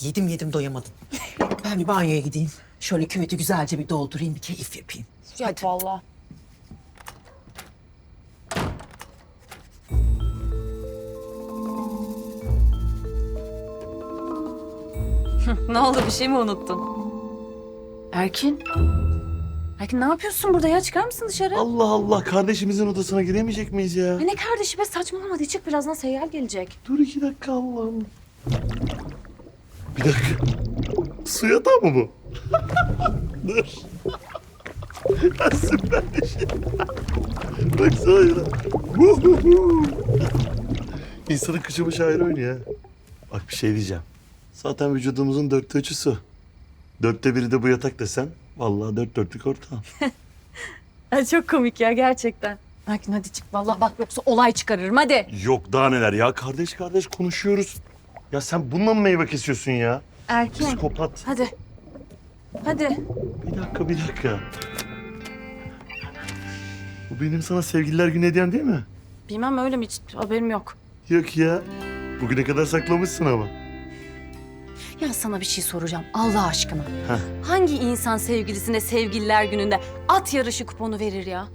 Yedim yedim doyamadım. Ben bir banyoya gideyim. Şöyle küveti güzelce bir doldurayım, bir keyif yapayım. Yap valla. Ne oldu, bir şey mi unuttun? Erkin. Erkin ne yapıyorsun burada ya? Çıkar mısın dışarı? Allah Allah, kardeşimizin odasına giremeyecek miyiz ya? Ne kardeşi be, saçmalama, hadi çık, birazdan Seyyar gelecek. Dur 2 dakika Allah'ım. Bir dakika. Su yatağı mı bu? Dur. Ya süper bir şey. Baksana ya. İnsanın kıçı başı ayrı oynuyor ya. Bak bir şey diyeceğim. Zaten vücudumuzun 3'ü su. 1/4 de bu yatak desen. Vallahi 4 ortağım. Ay çok komik ya gerçekten. Erkin hadi çık vallahi, bak yoksa olay çıkarırım, hadi. Yok daha neler ya. Kardeş kardeş konuşuyoruz. Ya sen bununla mı meyve kesiyorsun ya? Erkin. Psikopat. Hadi. Hadi. Bir dakika. Bu benim sana sevgililer günü hediyem değil mi? Bilmem öyle mi, hiç haberim yok. Yok ya. Bugüne kadar saklamışsın ama. Ya sana bir şey soracağım Allah aşkına. Heh. Hangi insan sevgilisine sevgililer gününde at yarışı kuponu verir ya?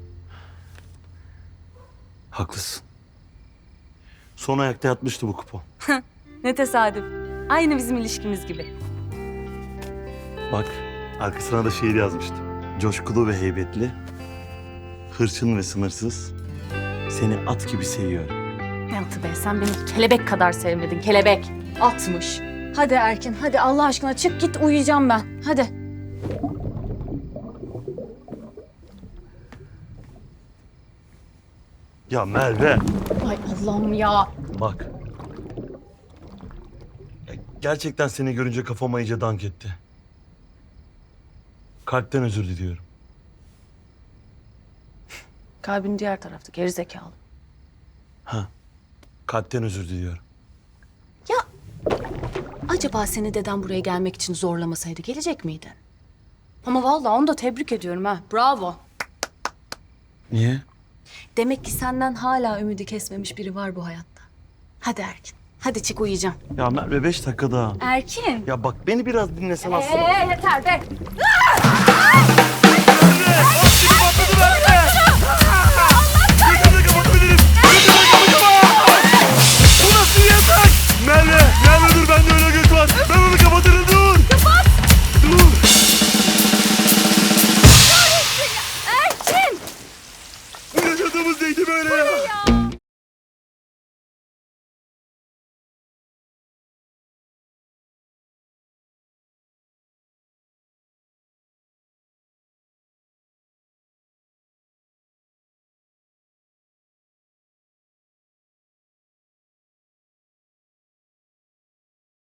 Haklısın. Son ayakta yatmıştı bu kupon. Ne tesadüf. Aynı bizim ilişkimiz gibi. Bak arkasına da şiir yazmıştım. Coşkulu ve heybetli, hırçın ve sınırsız, seni at gibi seviyorum. Ne atı be, sen beni kelebek kadar sevmedin, kelebek. Atmış. Hadi Erkin, hadi Allah aşkına çık git, uyuyacağım ben. Hadi. Ya Merve. Ay Allah'ım ya. Bak. Ya gerçekten seni görünce kafama iyice dank etti. Kalpten özür diliyorum. Kalbin diğer tarafta, gerizekalı. Kalpten özür diliyorum. Ya acaba seni deden buraya gelmek için zorlamasaydı gelecek miydin? Ama vallahi onu da tebrik ediyorum ha. Bravo. Niye? Demek ki senden hala ümidi kesmemiş biri var bu hayatta. Hadi Erkin. Hadi çık, uyuyacağım. Ya Merve 5 dakika daha. Erkin. Ya bak beni biraz dinlesen aslında. Yeter be. Merve!